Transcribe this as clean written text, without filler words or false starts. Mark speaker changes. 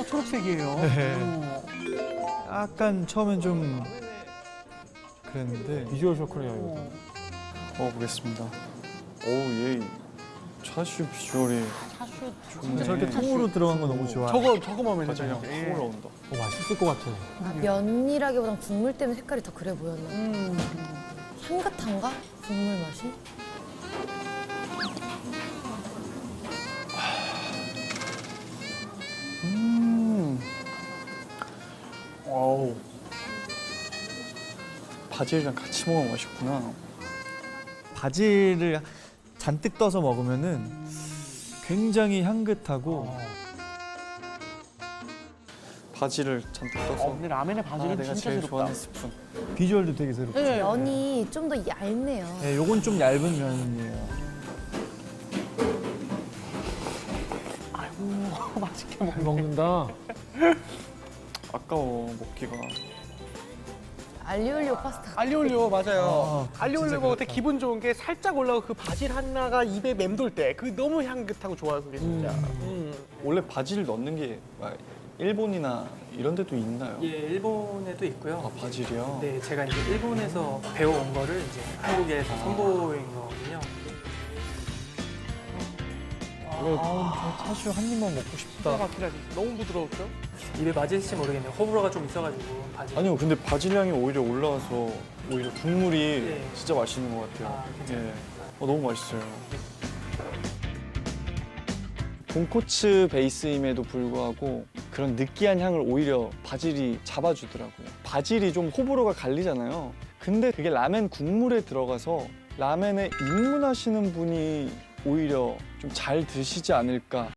Speaker 1: 초록색이에요.
Speaker 2: 네. 약간 처음엔 좀 그랬는데
Speaker 3: 비주얼 쇼크네요, 이거.
Speaker 4: 먹어보겠습니다. 얘 차슈 비주얼이
Speaker 1: 차슈
Speaker 4: 좋네.
Speaker 2: 저렇게 통으로 들어간 거 너무 좋아.
Speaker 1: 저거 마음에
Speaker 4: 갑자기
Speaker 1: 드네요.
Speaker 4: 그냥 확 올라온다.
Speaker 3: 맛있을 것 같아.
Speaker 5: 아, 면이라기보단 국물 때문에 색깔이 더 그래 보였나? 향긋한가? 국물 맛이?
Speaker 4: 와우. 바질이랑 같이 먹으면 맛있구나.
Speaker 2: 바질을 잔뜩 떠서 먹으면은 굉장히 향긋하고
Speaker 4: 바질을 잔뜩 떠서.
Speaker 1: 근데 라면에 바질은
Speaker 4: 내가
Speaker 1: 진짜
Speaker 4: 제일
Speaker 1: 새롭다.
Speaker 4: 좋아하는 스푼.
Speaker 2: 비주얼도 되게 새롭고.
Speaker 1: 네.
Speaker 5: 면이 좀 더 얇네요.
Speaker 2: 네, 요건 좀 얇은 면이에요.
Speaker 1: 아이고 맛있게
Speaker 3: 잘 먹는다.
Speaker 4: 아까워 먹기가.
Speaker 5: 알리올리오 파스타.
Speaker 1: 알리올리오 맞아요.
Speaker 2: 아,
Speaker 1: 알리올리오
Speaker 2: 진짜
Speaker 1: 먹을 때
Speaker 2: 그렇다.
Speaker 1: 기분 좋은 게 살짝 올라오고 그 바질 하나가 입에 맴돌 때 그 너무 향긋하고 좋아요 그게 진짜.
Speaker 4: 원래 바질 넣는 게 일본이나 이런 데도 있나요?
Speaker 6: 예, 일본에도 있고요.
Speaker 4: 아, 바질이요?
Speaker 6: 네, 제가 이제 일본에서 배워온 거를 이제 한국에서 선보인 거거든요.
Speaker 2: 저 차슈 한 입만 먹고
Speaker 1: 기가
Speaker 2: 싶다.
Speaker 1: 막히다 진짜. 너무 부드러웠죠?
Speaker 6: 입에 맞을지 모르겠네요. 호불호가 좀 있어가지고 바질.
Speaker 4: 아니요, 근데 바질 향이 오히려 올라와서 오히려 국물이
Speaker 6: 네.
Speaker 4: 진짜 맛있는 것 같아요.
Speaker 6: 아, 괜찮아요.
Speaker 4: 예. 너무 맛있어요. 돈코츠 베이스임에도 불구하고 그런 느끼한 향을 오히려 바질이 잡아주더라고요. 바질이 좀 호불호가 갈리잖아요. 근데 그게 라멘 국물에 들어가서 라멘에 입문하시는 분이 오히려 좀 잘 드시지 않을까.